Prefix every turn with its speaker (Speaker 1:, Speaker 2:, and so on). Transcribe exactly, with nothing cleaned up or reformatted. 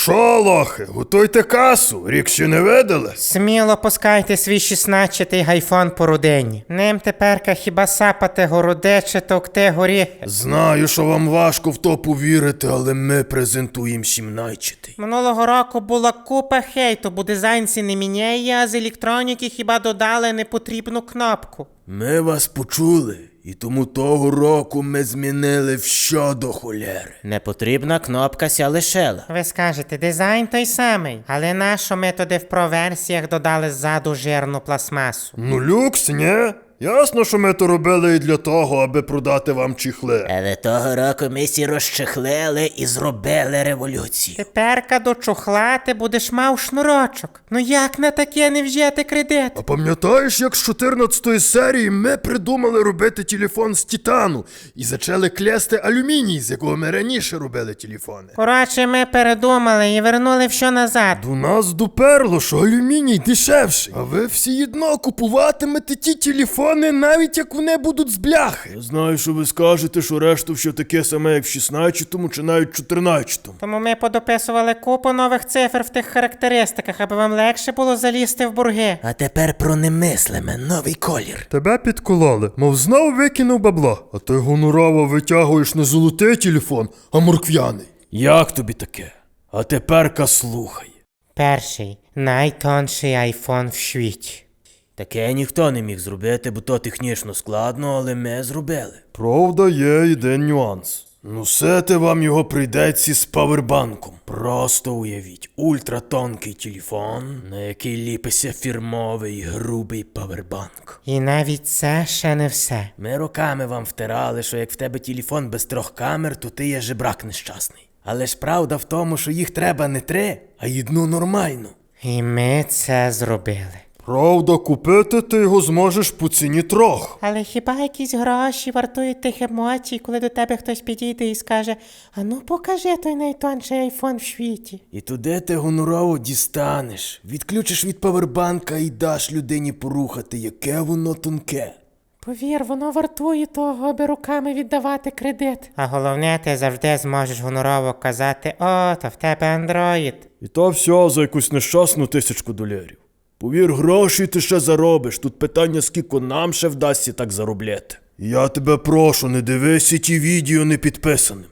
Speaker 1: шо, лохи, готуйте касу, рік ще не видали?
Speaker 2: Сміло пускайте свій шістнадцятий гайфон по родині. Ним теперка хіба сапати городе чи товкти горіхи.
Speaker 1: Знаю, що вам важко в то повірити, але ми презентуємо сімнадцятий.
Speaker 2: Минулого року була купа хейту, бо дизайнці не міняє, а з електроніки хіба додали непотрібну кнопку.
Speaker 1: Ми вас почули, і тому того року ми змінили все до холєри.
Speaker 3: Непотрібна кнопка ся лишила.
Speaker 2: Ви скажете, дизайн той самий, але нащо ми туди в проверсіях додали ззаду жирну пластмасу?
Speaker 1: Ну люкс, ні? Ясно, що ми то робили і для того, аби продати вам чіхли.
Speaker 3: Але того року ми сі розчехлили і зробили революцію.
Speaker 2: Теперка до чохла ти будеш мав шнурочок. Ну як на таке не взяти кредит?
Speaker 1: А пам'ятаєш, як з чотирнадцятої серії ми придумали робити телефон з титану і зачали клясти алюміній, з якого ми раніше робили телефони?
Speaker 2: Коротше, ми передумали і вернули все назад.
Speaker 1: До нас доперло, що алюміній дешевший. А ви всі одно купуватимете ті телефони, навіть як вони будуть з бляхи. Я знаю, що ви скажете, що решту все таке саме, як в шістнадцятому чи навіть чотирнадцятому.
Speaker 2: Тому ми подописували купу нових цифр в тих характеристиках, аби вам легше було залізти в бурги.
Speaker 3: А тепер про немислиме, новий колір.
Speaker 1: Тебе підкололи, мов знов викинув бабло. А ти гонорово витягуєш не золотий телефон, а морквяний. Як тобі таке? А теперка слухай.
Speaker 2: Перший, найтонший айфон в світі.
Speaker 3: Таке ніхто не міг зробити, бо то технічно складно, але ми зробили.
Speaker 1: Правда, є один нюанс. Носити вам його прийдеться з павербанком.
Speaker 3: Просто уявіть, ультратонкий телефон, на який ліпиться фірмовий грубий павербанк.
Speaker 2: І навіть це ще не все.
Speaker 3: Ми роками вам втирали, що як в тебе телефон без трьох камер, то ти є жебрак нещасний. Але ж правда в тому, що їх треба не три, а одну нормальну.
Speaker 2: І ми це зробили.
Speaker 1: Правда, купити ти його зможеш по ціні трьох.
Speaker 2: Але хіба якісь гроші вартують тих емоцій, коли до тебе хтось підійде і скаже: «А ну покажи той найтонший айфон в світі».
Speaker 1: І туди ти гонорово дістанеш, відключиш від павербанка і даш людині порухати, яке воно тонке.
Speaker 2: Повір, воно вартує того, аби руками віддавати кредит. А головне, ти завжди зможеш гонорово казати: «О, то в тебе андроїд».
Speaker 1: І то все за якусь нещасну тисячку долярів. Повір, гроші ти ще заробиш, тут питання, скільки нам ще вдасться так заробляти. Я тебе прошу, не дивися ті відео не підписаним.